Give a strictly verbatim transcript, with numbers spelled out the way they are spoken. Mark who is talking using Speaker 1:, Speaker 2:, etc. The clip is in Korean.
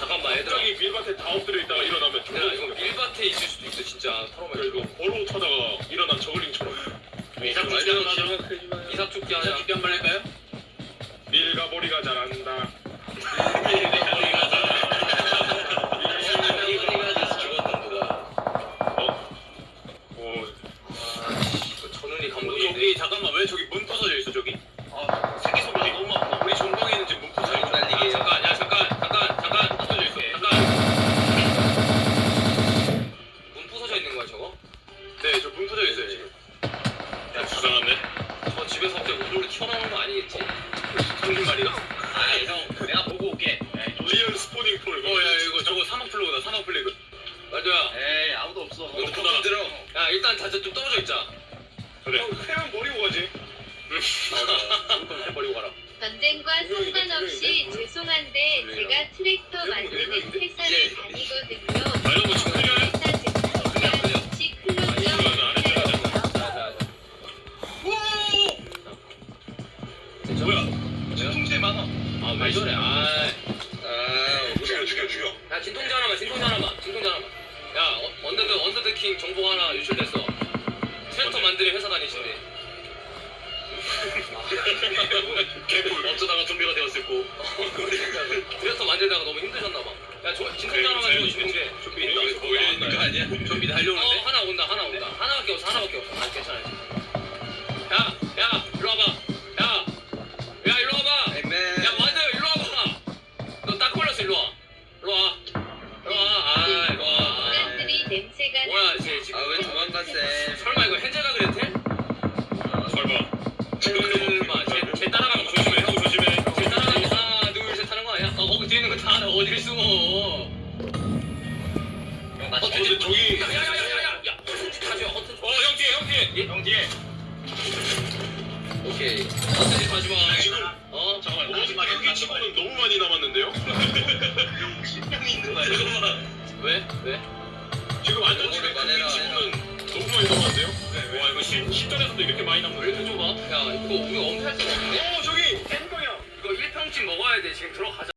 Speaker 1: 잠깐만 얘들아.
Speaker 2: 갑자기 밀밭에 다 엎드려 있다가 일어나면
Speaker 1: 야 이거 밀밭에 있을 수도 있어 진짜.
Speaker 2: 그리고 버로 타다가 일어난 저글링처럼.
Speaker 1: 이삭죽기 한번 하자. 이삭죽기 하자. 이삭죽기 한번 할까요?
Speaker 2: 밀가 머리가 잘한다.
Speaker 1: 밀가 잘한다. 밀가 죽었던 누가?
Speaker 2: 어? 어.
Speaker 1: 아, 천운이 감독이.
Speaker 2: 저기 잠깐만 왜 저기 문 부서져 있어 저기? 아 세계 소리 너무 아파. 우리 전방에 있는 지금 문 부서져 있어.
Speaker 1: 날리게.
Speaker 2: 잠깐 야 잠깐 잠깐 잠깐 부서져 있어. 잠깐.
Speaker 1: 문 부서져 있는 거야 저거?
Speaker 2: 네 저 문 부서져 있어요 지금. 야 주장한데?
Speaker 1: 저 집에서 갑자기 우르르 튀어나오는 거 아니겠지?
Speaker 2: 형님 말이야?
Speaker 1: 아이 형 내가 보고 올게.
Speaker 2: 리얼 스포닝 폴. 어야 이거 저거 사막 플래그다 사막 플래그. 말도야.
Speaker 1: 에이 아무도 없어.
Speaker 2: 너 폰 들어.
Speaker 1: 야 일단 다들 좀 떨어져 있자.
Speaker 2: 그래. 형 회만 버리고 가지. 응. 버리고 가라.
Speaker 3: 전쟁과 상관없이 죄송한데 제가 트랙터 만드는 회사를 다니거든요.
Speaker 2: 말도 축하드려요.
Speaker 3: 회사 제품이랑 같이 클로즈 해주세요.
Speaker 2: 뭐야? 진통제 많아.
Speaker 1: 아 왜 저래? 아.
Speaker 2: 죽여 죽여 죽여.
Speaker 1: 야 진통제 하나만 진통제 하나만 진통제 하나만. 야 어, 언더드 언더드 킹 정보 하나 유출됐어. 트랙터 만드는 회사 다니신대.
Speaker 2: 개꿀 어쩌다가 좀비가 되었을고.
Speaker 1: 트랙터 만들다가 너무 힘드셨나봐. 야 저, 진통제 하나만 줘 진통제.
Speaker 2: 좀비 여기서 보이는 거 아니야? 좀비 달려오는데?
Speaker 1: 어 하나 온다 하나 온다. 하나밖에 없어 하나밖에 없어. 아 괜찮아. 야 야 일로 와봐. 야 야 일로 와봐. 야 완전 일로 와봐. 너 딱 걸렸어 일로 와. 일로 와. 일로 와. 아 일로 와.
Speaker 3: 인간들이 냄새가
Speaker 1: 뭐야 쟤 지금.
Speaker 4: 아 왜 도망갔어?
Speaker 1: 설마 이거 헨젤가 그랬대?
Speaker 2: 설마.
Speaker 1: 설마 쟤, 쟤 따라가면
Speaker 2: 조심해 형 조심해.
Speaker 1: 쟤 따라가면 하나 둘셋 하는 거 아니야? 어 거기 뒤에 있는 거 다 알아. 어디를 숨어? 어
Speaker 2: 어 근데 저기.
Speaker 1: 야야야야야. 야 가져. 허튼.
Speaker 2: 어형 뒤에 형 뒤에. 형 뒤에.
Speaker 1: 오케이. 허튼 가지 마.
Speaker 2: 지금
Speaker 1: 어
Speaker 2: 잠깐만 마지막 여기 치고는 너무 많이 남았는데요? 십 명이 있는 거야 잠깐만.
Speaker 1: 왜? 왜?
Speaker 2: 지금 완전
Speaker 4: 너무
Speaker 2: 지금
Speaker 4: 많이
Speaker 2: 여기
Speaker 4: 남아.
Speaker 2: 치고는 너무 많이 남았는데요? 네. 와 이거 십, 십전에서도 이렇게 많이 남는
Speaker 1: 왜 이렇게 좁아? 야 이거 우리 엄폐할 수가 없는데?
Speaker 2: 어 저기 N 방향.
Speaker 1: 이거 일 평집 먹어야 돼. 지금 들어가자.